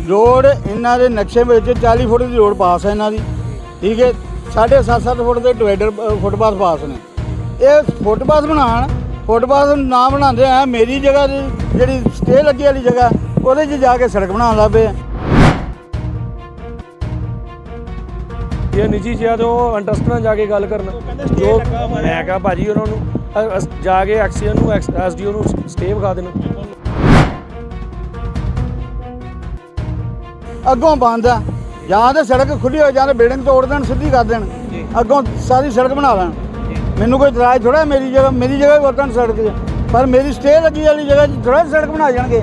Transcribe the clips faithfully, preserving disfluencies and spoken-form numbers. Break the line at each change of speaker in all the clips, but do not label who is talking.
Road इन्हां दे नक्शे विच चालीस फुट की रोड पास है इन्हां दी, ठीक है। साढ़े सत्त सत्त फुट के डिवाइडर फुटपाथ पास ने। ये फुटपाथ बनाण फुटपाथ ना बनाते हैं मेरी जगह जी स्टे लगी वाली जगह वो जाके सड़क बना लग पे।
ये निजी जिहा तो इंटरस्ट ਨਾਲ ਜਾ ਕੇ ਗੱਲ ਕਰਨਾ ਜੋ ਮੈਂ ਕਿਹਾ ਭਾਜੀ ਉਹਨਾਂ ਨੂੰ ਜਾ ਕੇ ਐਕਸੀਅਨ ਨੂੰ ਐਸਡੀਓ ਨੂੰ ਸਟੇ ਵਿਖਾ ਦੇਣਾ।
ਅੱਗੋਂ ਬੰਦ ਆ ਜਾਂ ਤਾਂ ਸੜਕ ਖੁੱਲੀ ਹੋ ਜਾਂ ਬਿਲਡਿੰਗ ਤੋੜ ਦੇਣ ਸਿੱਧੀ ਕਰ ਦੇਣ ਅੱਗੋਂ ਸਾਰੀ ਸੜਕ ਬਣਾ ਲੈਣ। ਮੈਨੂੰ ਕੋਈ ਇਤਰਾਜ਼ ਥੋੜਾ ਮੇਰੀ ਜਗ੍ਹਾ ਮੇਰੀ ਜਗ੍ਹਾ ਵੀ ਵਰਤਣ ਸੜਕ 'ਚ ਪਰ ਮੇਰੀ ਸਟੇ ਲੱਗੀ ਵਾਲੀ ਜਗ੍ਹਾ 'ਚ ਥੋੜਾ ਸੜਕ ਬਣਾ ਜਾਣਗੇ।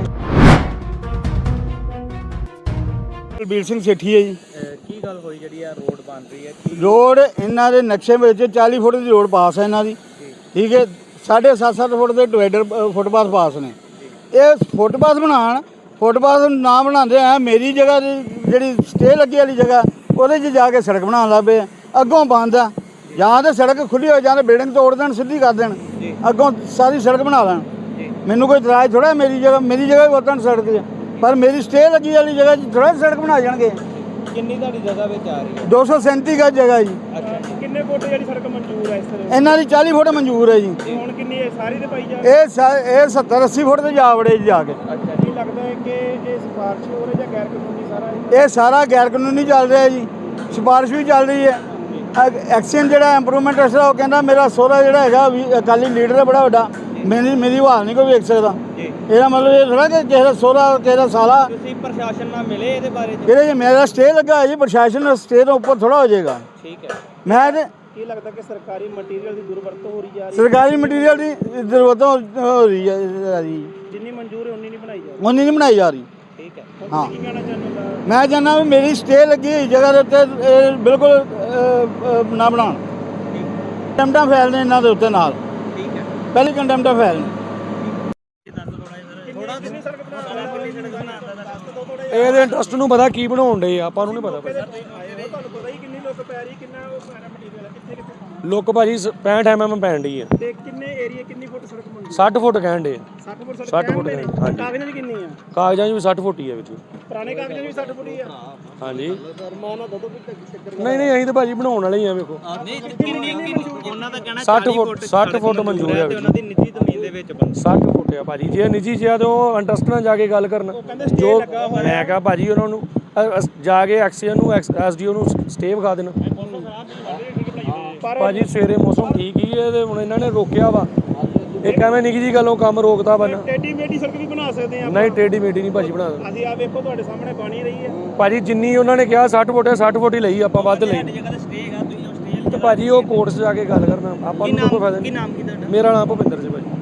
ਬਲਬੀਰ ਸਿੰਘ ਸੇਠੀ ਹੈ ਜੀ।
ਕੀ ਗੱਲ ਹੋਈ ਜਿਹੜੀ ਆ ਰੋਡ ਬਣ ਰਹੀ ਹੈ?
रोड इन्हां दे नक्शे विच चालीस फुट की रोड पास है इन्हां दी, ठीक है। साढ़े सत्त सत्त फुट के डिवाइडर फुटपाथ पास ने। ये फुटपाथ बनाण फुटपाथ ना बनाते हैं मेरी जगह जी स्टे लगी वाली जगह वो जाके सड़क बना लग पे। अगों बंद आ ਜਾਂ ਤਾਂ ਸੜਕ ਖੁੱਲੀ ਹੋ ਜਾਂ ਬਿਲਡਿੰਗ ਤੋੜ ਦੇਣ ਸਿੱਧੀ ਕਰ ਦੇਣ ਅੱਗੋਂ ਸਾਰੀ ਸੜਕ ਬਣਾ ਲੈਣ। ਮੈਨੂੰ ਕੋਈ ਇਤਰਾਜ਼ ਥੋੜਾ ਮੇਰੀ ਜਗ੍ਹਾ ਮੇਰੀ ਜਗ੍ਹਾ ਵੀ ਵਰਤਣ ਸੜਕ 'ਚ ਪਰ ਮੇਰੀ ਸਟੇ ਲੱਗੀ ਵਾਲੀ ਜਗ੍ਹਾ 'ਚ ਥੋੜਾ ਸੜਕ ਬਣਾ ਜਾਣਗੇ।
ਕਿੰਨੀ ਤੁਹਾਡੀ ਜਗ੍ਹਾ ਵਿੱਚ ਆ ਰਹੀ ਹੈ?
दो सौ सैंती गज जगह जी।
ਅੱਛਾ ਜੀ। ਕਿੰਨੇ ਫੁੱਟ ਜਿਹੜੀ ਸੜਕ ਮਨਜ਼ੂਰ ਹੈ ਇਸ ਤਰ੍ਹਾਂ?
ਇਹਨਾਂ ਦੀ ਚਾਲੀ ਫੁੱਟ ਮਨਜ਼ੂਰ ਹੈ ਜੀ।
ਹੁਣ ਕਿੰਨੀ ਹੈ ਸਾਰੀ ਤੇ ਪਾਈ ਜਾ?
ਇਹ ਸਾ- ਇਹ ਸੱਤਰ ਅੱਸੀ ਫੁੱਟ ਤੇ ਜਾ ਵੜੇ ਜੀ ਜਾ ਕੇ।
ਅੱਛਾ ਕੀ ਲੱਗਦਾ ਹੈ ਕਿ ਇਹ ਸਿਫਾਰਿਸ਼ ਹੋ ਰਹੀ ਜਾਂ ਗੈਰ ਕਾਨੂੰਨੀ ਸਾਰਾ ਇਹ?
ਇਹ ਸਾਰਾ ਗੈਰ ਕਾਨੂੰਨੀ ਚੱਲ ਰਿਹਾ ਜੀ। ਸਿਫਾਰਿਸ਼ ਵੀ ਚੱਲ ਰਹੀ ਹੈ। ਐਕਸ਼ਨ ਜਿਹੜਾ ਇੰਪਰੂਵਮੈਂਟ ਅਸਰਾ ਉਹ ਕਹਿੰਦਾ ਮੇਰਾ ਸਹੁਰਾ ਜਿਹੜਾ ਹੈਗਾ ਵੀ ਅਕਾਲੀ ਲੀਡਰ ਹੈ ਬੜਾ ਵੱਡਾ ਮੇਰੀ ਮੇਰੀ ਹਾਲ ਨਹੀਂ ਕੋਈ ਵੇਖ ਸਕਦਾ। ਇਹਦਾ ਮਤਲਬ ਇਹ ਥੋੜਾ ਕਿ ਕਿਸੇ ਦਾ ਸਹੁਰਾ ਕਿਸੇ ਦਾ ਸਾਲਾ।
ਤੁਸੀਂ ਪ੍ਰਸ਼ਾਸਨ ਨਾਲ ਮਿਲੇ ਇਹਦੇ ਬਾਰੇ?
ਇਹਦੇ ਜੇ ਮੇਰਾ ਸਟੇ ਲੱਗਾ ਜੀ ਪ੍ਰਸ਼ਾਸਨ ਸਟੇ ਤੋਂ ਉੱਪਰ ਥੋੜਾ ਹੋ ਜਾਏਗਾ।
ਠੀਕ ਹੈ।
ਮੈਂ ਤੇ
ਕੀ ਲੱਗਦਾ ਕਿ ਸਰਕਾਰੀ ਮਟੀਰੀਅਲ ਦੀ ਦੁਰਵਰਤੋਂ ਹੋ ਰਹੀ ਜਾ ਰਹੀ ਹੈ?
ਸਰਕਾਰੀ ਮਟੀਰੀਅਲ ਦੀ ਜ਼ਰੂਰਤ ਹੋ ਰਹੀ ਹੈ ਜੀ।
ਜਿੰਨੀ ਮਨਜ਼ੂਰ ਹੈ ਉਨੀ ਨਹੀਂ ਬਣਾਈ ਜਾ ਰਹੀ।
ਉਨੀ ਨਹੀਂ ਬਣਾਈ ਜਾ ਰਹੀ।
ਠੀਕ ਹੈ।
ਹਾਂ।
ਕੀ ਕਹਿਣਾ ਚਾਹੁੰਦੇ ਹੋ?
ਮੈਂ ਚਾਹੁੰਦਾ ਵੀ ਮੇਰੀ ਸਟੇ ਲੱਗੀ ਹੋਈ ਜਗ੍ਹਾ ਦੇ ਉੱਤੇ ਇਹ ਬਿਲਕੁਲ ਨਾ ਬਣਾਉਣ। ਕੰਟੈਂਪਟਾਂ ਫੈਲ ਨੇ ਇਹਨਾਂ ਦੇ ਉੱਤੇ ਨਾਲ।
ਠੀਕ ਹੈ।
ਪਹਿਲੀ ਕੰਟੈਂਪਟਾਂ ਫੈਲ ਨੇ।
ਇਹਦੇ ਇੰਟਰਸਟ ਨੂੰ ਪਤਾ ਕੀ ਬਣਾਉਣ ਡੇ ਆਪਾਂ ਨੂੰ ਨਹੀਂ ਪਤਾ ਭਾਜੀ।
ਤੁਹਾਨੂੰ ਪਤਾ ਹੀ ਕਿੰਨੀ ਲੁੱਕ ਪੈ ਰਹੀ ਕਿੰਨਾ ਉਹ ਸਾਰਾ ਮਟੀਰੀਅਲ ਹੈ ਕਿੱਥੇ ਕਿੱਥੇ
ਲੁੱਕ ਭਾਜੀ ਪੈਂਹਠ ਐਮ ਐਮ ਪੈਣ ਡਈ ਆ
ਤੇ ਕਿੰਨੇ ਏਰੀਆ ਕਿੰਨੀ ਫੁੱਟ ਸੜਕ ਬਣੀ?
ਸੱਠ ਫੁੱਟ ਕਹਿਣ ਡੇ
ਸੱਠ ਫੁੱਟ ਸੜਕ
ਸੱਠ ਫੁੱਟ
ਕਹਿਣ ਦੇ?
ਹਾਂਜੀ।
ਕਾਗਜ਼ਾਂ ਦੀ ਕਿੰਨੀ ਆ?
ਕਾਗਜ਼ਾਂ 'ਚ ਵੀ ਸੱਠ ਫੁੱਟ ਹੀ ਆ ਵਿੱਚ।
ਪੁਰਾਣੇ ਕਾਗਜ਼ਾਂ 'ਚ ਵੀ ਸੱਠ ਫੁੱਟ ਹੀ ਆ?
ਹਾਂਜੀ।
ਰਮਾਨਾ ਦੋ ਦੋ ਚੱਕਰ
ਨਹੀਂ ਨਹੀਂ ਅਸੀਂ ਤਾਂ ਭਾਜੀ ਬਣਾਉਣ ਵਾਲੇ ਹੀ ਆ ਵੇਖੋ।
ਨਹੀਂ ਕਿੰਨੀ ਉਹਨਾਂ ਦਾ ਕਹਿਣਾ
ਸੱਠ ਫੁੱਟ ਸੱਠ ਫੁੱਟ ਮਨਜ਼ੂਰ ਹੈ
ਉਹਨਾਂ ਦੀ ਨਿੱਜੀ ਜ਼ਮੀਨ ਦੇ ਵਿੱਚ ਬੰਦ।
ਸੱਠ ਫੁੱਟ ਆ ਭਾਜੀ। ਜੇ ਨਿੱਜੀ ਜਿਹਾ ਤੇ ਉਹ ਇੰਟਰਸਟ ਨਾਲ ਜਾ ਕੇ ਗੱਲ ਕਰਨਾ ਜੋ ਮੈਂ ਕਿਹਾ ਭਾਜੀ ਉਹਨਾਂ ਨੂੰ ਜਾ ਕੇ ਐਕਸੀਅਨ ਨੂੰ ਐਸਡੀਓ ਨੂੰ ਸਟੇ ਵਿਖਾ ਦੇਣਾ। ਭਾਜੀ ਸਵੇਰੇ ਮੌਸਮ ਠੀਕ ਹੀ ਹੈ ਤੇ ਹੁਣ ਇਹਨਾਂ ਨੇ ਰੋਕਿਆ ਵਾ। ਇੱਕ ਐਵੇਂ ਨਿੱਕੀ ਜੀ ਗੱਲੋਂ ਕੰਮ ਰੋਕਦਾ ਵਾ ਨਾ।
ਟੇਢੀ ਮੇਢੀ ਸੜਕ ਵੀ ਬਣਾ ਸਕਦੇ ਆ?
ਨਹੀਂ ਟੇਢੀ ਮੇਢੀ ਨਹੀਂ ਭਾਜੀ ਬਣਾ ਸਕਦੇ।
ਅਸੀਂ ਆ ਵੇਖੋ ਤੁਹਾਡੇ ਸਾਹਮਣੇ ਬਣੀ ਰਹੀ ਹੈ
ਭਾਜੀ ਜਿੰਨੀ ਉਹਨਾਂ ਨੇ ਕਿਹਾ ਸੱਠ ਫੁੱਟ ਹੈ ਸੱਠ ਫੁੱਟ ਹੀ ਲਈ ਆਪਾਂ ਵੱਧ ਲਈ ਤੇ ਭਾਜੀ ਉਹ ਕੋਰਟ 'ਚ ਜਾ ਕੇ ਗੱਲ ਕਰਨਾ ਆਪਾਂ ਨੂੰ ਕੋਈ ਫਾਇਦਾ ਨਹੀਂ।
ਕੀ ਨਾਮ ਕੀ ਤੁਹਾਡਾ?
ਮੇਰਾ ਨਾਮ ਭੁਪਿੰਦਰ ਸਿੰਘ ਭਾਜੀ।